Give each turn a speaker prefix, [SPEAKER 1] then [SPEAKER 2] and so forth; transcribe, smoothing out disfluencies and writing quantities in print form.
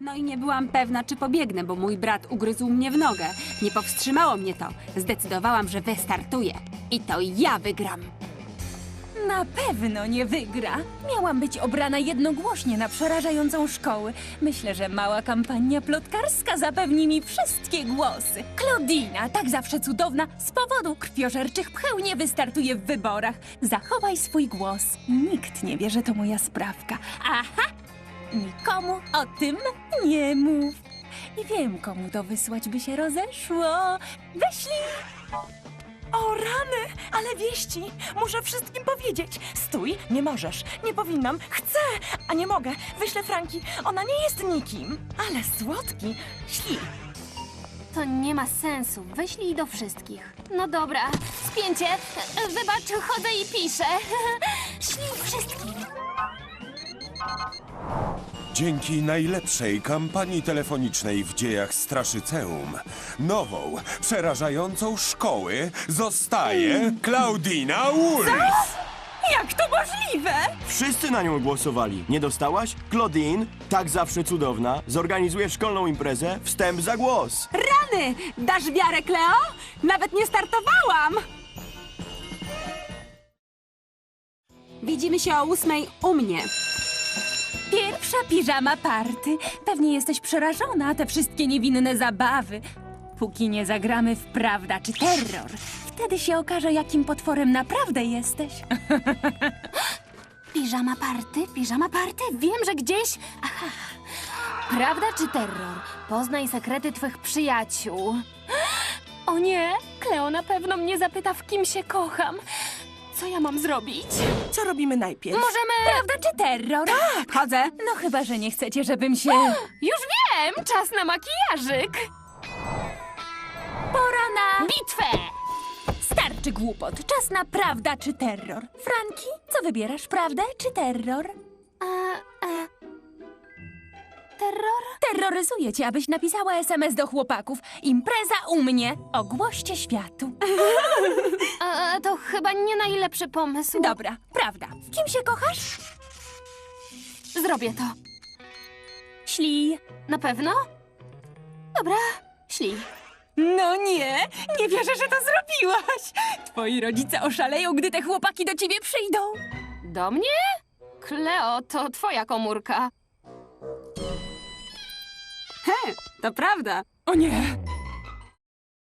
[SPEAKER 1] No i nie byłam pewna, czy pobiegnę, bo mój brat ugryzł mnie w nogę. Nie powstrzymało mnie to. Zdecydowałam, że wystartuję. I to ja wygram.
[SPEAKER 2] Na pewno nie wygra. Miałam być obrana jednogłośnie na przerażającą szkołę. Myślę, że mała kampania plotkarska zapewni mi wszystkie głosy. Claudina, tak zawsze cudowna, z powodu krwiożerczych pcheł nie wystartuje w wyborach. Zachowaj swój głos. Nikt nie wie, że to moja sprawka. Aha! Nikomu o tym nie mów. I wiem, komu to wysłać by się rozeszło. Wyślij!
[SPEAKER 3] O rany, ale wieści! Muszę wszystkim powiedzieć. Stój, nie możesz. Nie powinnam. Chcę, a nie mogę. Wyślę Franki. Ona nie jest nikim. Ale słodki. Śli.
[SPEAKER 4] To nie ma sensu. Wyślij do wszystkich. No dobra, spięcie. Wybacz, chodzę i piszę. Ślij wszystkim.
[SPEAKER 5] Dzięki najlepszej kampanii telefonicznej w dziejach Straszyceum, nową, przerażającą szkoły zostaje Claudina Wolf!
[SPEAKER 3] Jak to możliwe?
[SPEAKER 6] Wszyscy na nią głosowali. Nie dostałaś? Claudine, tak zawsze cudowna, zorganizuje szkolną imprezę Wstęp za głos.
[SPEAKER 1] Rany! Dasz wiarę, Kleo? Nawet nie startowałam! Widzimy się o 8 u mnie.
[SPEAKER 2] Pierwsza piżama party. Pewnie jesteś przerażona, te wszystkie niewinne zabawy. Póki nie zagramy w prawda czy terror, wtedy się okaże, jakim potworem naprawdę jesteś.
[SPEAKER 4] Piżama party, piżama party. Wiem, że gdzieś... Aha. Prawda czy terror? Poznaj sekrety twych przyjaciół. O nie, Kleo na pewno mnie zapyta, w kim się kocham. Co ja mam zrobić?
[SPEAKER 3] Co robimy najpierw?
[SPEAKER 4] Możemy...
[SPEAKER 2] Prawda czy terror?
[SPEAKER 1] Chodzę.
[SPEAKER 2] No chyba, że nie chcecie, żebym się...
[SPEAKER 4] Już wiem! Czas na makijażyk!
[SPEAKER 2] Pora na...
[SPEAKER 4] Bitwę!
[SPEAKER 2] Starczy głupot. Czas na prawda czy terror. Franki, co wybierasz, prawdę czy terror?
[SPEAKER 4] Terror?
[SPEAKER 2] Terroryzuję cię, abyś napisała SMS do chłopaków. Impreza u mnie. Ogłoście światu.
[SPEAKER 4] To chyba nie najlepszy pomysł.
[SPEAKER 2] Dobra, prawda. W kim się kochasz?
[SPEAKER 4] Zrobię to.
[SPEAKER 2] Ślij.
[SPEAKER 4] Na pewno? Dobra, ślij.
[SPEAKER 2] No nie wierzę, że to zrobiłaś. Twoi rodzice oszaleją, gdy te chłopaki do ciebie przyjdą.
[SPEAKER 4] Do mnie? Kleo, to twoja komórka.
[SPEAKER 1] To prawda.
[SPEAKER 2] O nie,